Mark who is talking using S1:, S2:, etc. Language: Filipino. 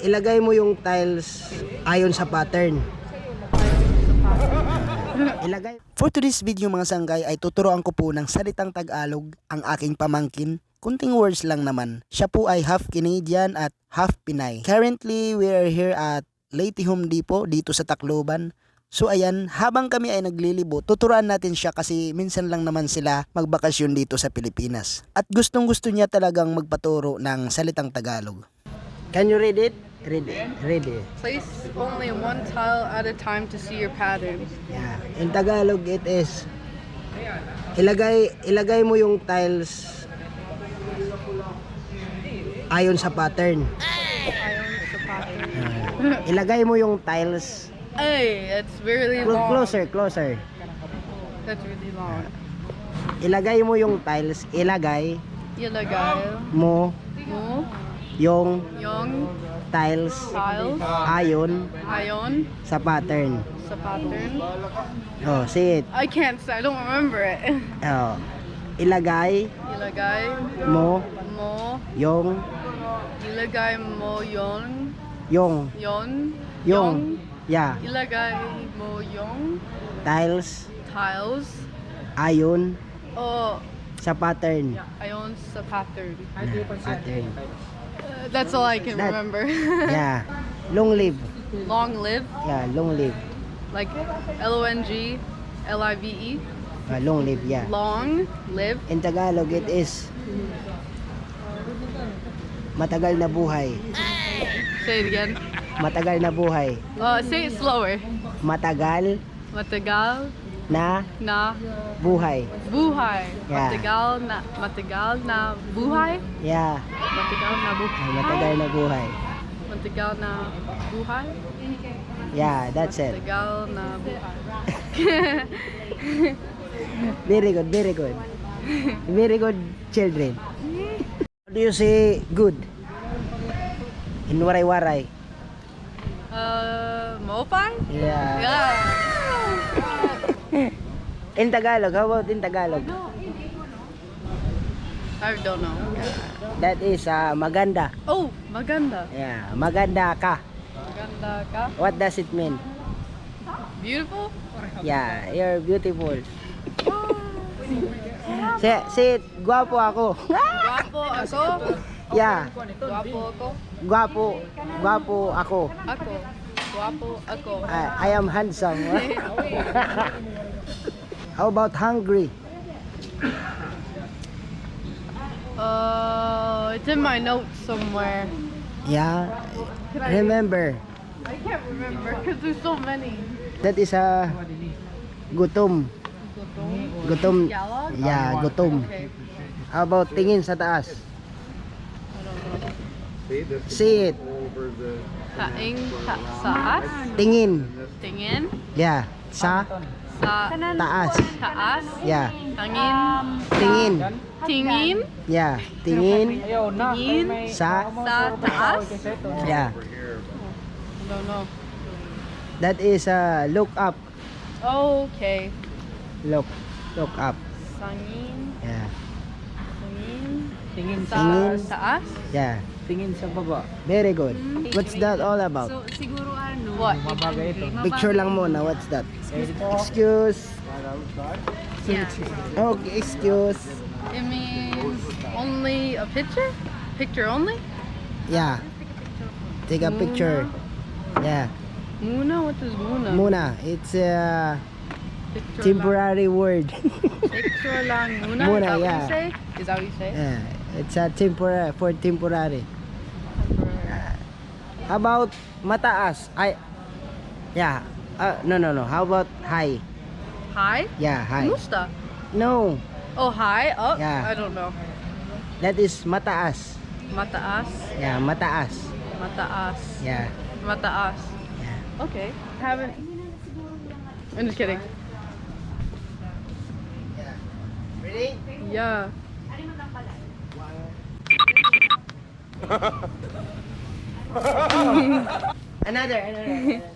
S1: ilagay mo yung tiles ayon sa pattern. Ilagay. For today's video mga sanggay ay tuturuan ko po ng salitang Tagalog ang aking pamangkin. Kunting words lang naman. Siya po ay half Canadian at half Pinay. Currently, we are here at Leyte Home Depot dito sa Tacloban. So ayan, habang kami ay naglilibo, tuturuan natin siya kasi minsan lang naman sila magbakasyon dito sa Pilipinas. At gustong gusto niya talagang magpaturo ng salitang Tagalog. Can you read it? Read it. Read it.
S2: Place only one tile at a time to see your pattern.
S1: Yeah. In Tagalog it is ilagay mo yung tiles ayon sa pattern.
S2: Ayon sa pattern.
S1: Ilagay mo yung tiles
S2: Ay, that's really long.
S1: closer.
S2: That's really long.
S1: Ilagay mo yung tiles, ilagay
S2: Ilagay
S1: mo
S2: mo
S1: yung
S2: yung
S1: tiles
S2: tiles
S1: ayon
S2: ayon
S1: sa pattern.
S2: sa pattern.
S1: Oh, see it.
S2: I can't say. I don't remember it.
S1: Oh. Ilagay
S2: Ilagay
S1: mo
S2: mo
S1: yung
S2: ilagay mo yon
S1: yeah,
S2: ilagay mo yung
S1: tiles
S2: tiles
S1: ayon
S2: o
S1: sa pattern.
S2: ayon sa pattern.
S1: Pattern.
S2: That's all I can
S1: That-
S2: remember.
S1: Yeah. Long live.
S2: Long live,
S1: Yeah, long live.
S2: like LONGLIVE.
S1: Long live, yeah.
S2: Long live.
S1: In Tagalog it is matagal na buhay.
S2: Say it again.
S1: Matagal na buhay.
S2: Say it slower.
S1: Matagal
S2: Matagal
S1: na
S2: na
S1: buhay.
S2: buhay.
S1: Yeah.
S2: Matagal na buhay.
S1: Yeah.
S2: Matagal na buhay.
S1: Ay, matagal na buhay.
S2: Matagal na buhay.
S1: Yeah, that's it.
S2: Matagal na buhay.
S1: Very good, very good. Very good children. How do you say good? In waray-waray.
S2: Mopay?
S1: Yeah.
S2: Yeah.
S1: In Tagalog, how about in Tagalog?
S2: I don't know.
S1: That is maganda.
S2: Oh, maganda.
S1: Yeah, maganda ka.
S2: Maganda ka.
S1: What does it mean?
S2: Beautiful?
S1: Yeah, you're beautiful. Say it, guwapo ako.
S2: Guwapo ako.
S1: Yeah,
S2: Guwapo ako.
S1: guwapo ako.
S2: Ako. Guwapo ako.
S1: I am handsome. How about hungry?
S2: It's in my notes somewhere.
S1: Yeah, remember,
S2: I can't remember because there's so many.
S1: that is gutom. Gutom.
S2: Yellow?
S1: Yeah, gutom.
S2: Okay.
S1: How about tingin sa taas?
S2: I don't know.
S1: See it.
S2: Kaing saas?
S1: Tingin.
S2: Tingin?
S1: Yeah, sa
S2: Sa
S1: taas.
S2: taas?
S1: Yeah,
S2: Tangin?
S1: tingin.
S2: Tingin?
S1: Yeah, tingin
S2: Tingin?
S1: sa
S2: Sa taas?
S1: yeah.
S2: I don't know.
S1: That is look up.
S2: Okay.
S1: Look up.
S2: Sangin?
S1: Yeah.
S2: Sangin?
S3: Tingin
S2: Sa
S1: Tingin.
S2: taas?
S1: Yeah.
S3: tingin sa baba.
S1: Very good. What's that all about?
S4: Siguro ano?
S2: What?
S3: Mabagay ito.
S1: Picture lang muna. What's that? Excuse.
S4: Yeah.
S1: Okay, excuse.
S2: It means only a picture? Picture only?
S1: Yeah. Take a picture. Yeah.
S2: Muna? What is muna?
S1: Muna. It's a
S2: Picture
S1: temporary word.
S2: lang. Picture lang muna?
S1: Muna,
S2: Is that
S1: yeah.
S2: what you say? Is that what you say?
S1: Yeah. It's a temporary for temporary. How about mataas? Yeah. No. How about high?
S2: High?
S1: Yeah, high.
S2: Musta?
S1: No.
S2: Oh, high? Up?
S1: Yeah.
S2: I don't know.
S1: That is mataas.
S2: Mataas?
S1: Yeah, mataas.
S2: Mataas.
S1: Yeah.
S2: Mataas.
S1: Yeah.
S2: Okay. Haven't. I'm just kidding.
S1: Ready?
S2: Yeah.
S1: Another.